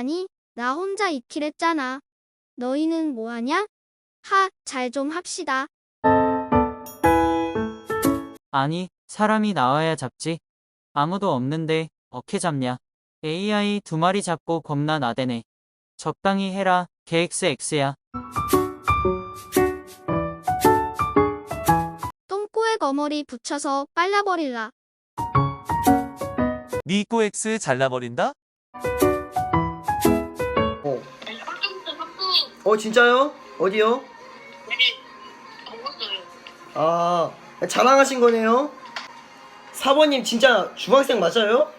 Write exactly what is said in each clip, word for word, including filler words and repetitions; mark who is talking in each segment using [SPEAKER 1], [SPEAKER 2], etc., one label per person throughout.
[SPEAKER 1] 아니, 나 혼자 있기랬잖아. 너희는 뭐하냐? 하, 잘 좀 합시다.
[SPEAKER 2] 아니, 사람이 나와야 잡지. 아무도 없는데 어떻게 잡냐. 에이아이 두 마리 잡고 겁나 나대네. 적당히 해라, 케이엑스엑스야.
[SPEAKER 1] 똥꼬에 거머리 붙여서 빨라버릴라.
[SPEAKER 3] 니꼬 X 잘라버린다?
[SPEAKER 4] 어.
[SPEAKER 5] 아니, 깜짝이야, 깜짝이야.
[SPEAKER 4] 어, 진짜요? 어디요?
[SPEAKER 5] 네, 먹었어요.
[SPEAKER 4] 아, 자랑하신 거네요? 사모님 진짜 중학생 맞아요?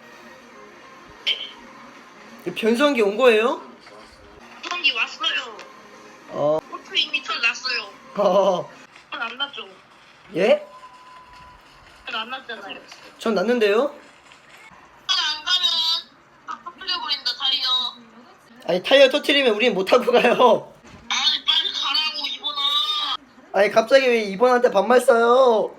[SPEAKER 4] 변성기 온 거예요?
[SPEAKER 5] 수성기 왔어요.
[SPEAKER 4] 어,
[SPEAKER 5] 호프 이미 털 났어요.
[SPEAKER 4] 어,
[SPEAKER 5] 털안 났죠?
[SPEAKER 4] 예?
[SPEAKER 5] 털 안 났잖아요.
[SPEAKER 4] 전 났는데요?
[SPEAKER 5] 털안 가면 팍팍 풀려버린다, 다리요.
[SPEAKER 4] 아니, 타이어 터트리면 우린 못하고 가요.
[SPEAKER 5] 아니, 빨리 가라고, 이번아.
[SPEAKER 4] 아니, 갑자기 왜 이번한테 반말 써요?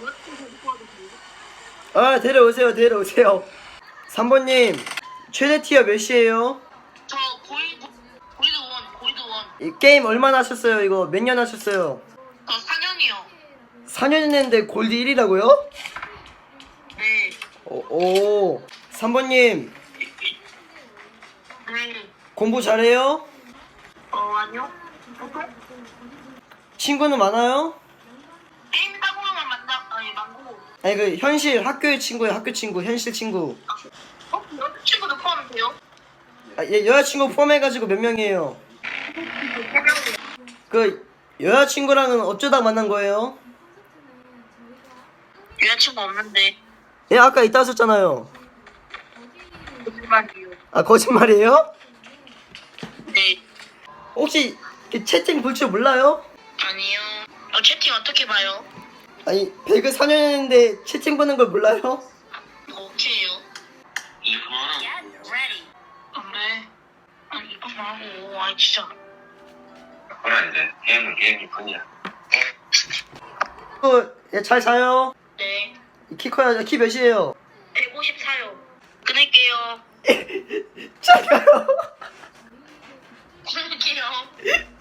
[SPEAKER 4] 아, 데려오세요, 데려오세요. 삼 번님, 최대 티어 몇이에요?
[SPEAKER 5] 저 고이드, 고이드 원, 고이드 원.
[SPEAKER 4] 이 게임 얼마나 하셨어요? 이거 몇 년 하셨어요?
[SPEAKER 5] 저 사 년이요.
[SPEAKER 4] 사 년 했는데 골드 일이라고요?
[SPEAKER 5] 네.
[SPEAKER 4] 오, 오. 삼 번님,
[SPEAKER 5] 네.
[SPEAKER 4] 공부 잘해요?
[SPEAKER 5] 어, 아니요. 보통?
[SPEAKER 4] 친구는 많아요?
[SPEAKER 5] 게임 따고만 만나, 아니, 망고.
[SPEAKER 4] 아니, 그 현실 학교의 친구예요, 학교 친구, 현실 친구.
[SPEAKER 5] 어? 여자친구도 포함돼요?
[SPEAKER 4] 아, 얘 여자친구 포함해가지고 몇 명이에요? 그 여자친구랑은 어쩌다 만난 거예요?
[SPEAKER 5] 여자친구 없는데.
[SPEAKER 4] 예, 아까 있다 하셨잖아요.
[SPEAKER 5] 거짓말이요.
[SPEAKER 4] 아, 거짓말이에요?
[SPEAKER 5] 네.
[SPEAKER 4] 혹시 그 채팅 볼 줄 몰라요?
[SPEAKER 5] 아니요. 어, 채팅 어떻게 봐요?
[SPEAKER 4] 아니, 배그 사 년 했는데 채팅 보는 걸 몰라요?
[SPEAKER 5] 오케이요. 이번 안 돼. 아니 이번 하고 아니 진짜.
[SPEAKER 6] 그래 이제 게임은 게임일 뿐이야.
[SPEAKER 4] 어, 예, 잘 자요.
[SPEAKER 5] 네.
[SPEAKER 4] 키 커야, 키 몇이에요?
[SPEAKER 5] 백오십사요. 끊을게요.
[SPEAKER 4] 작아요.
[SPEAKER 5] 끊을게요.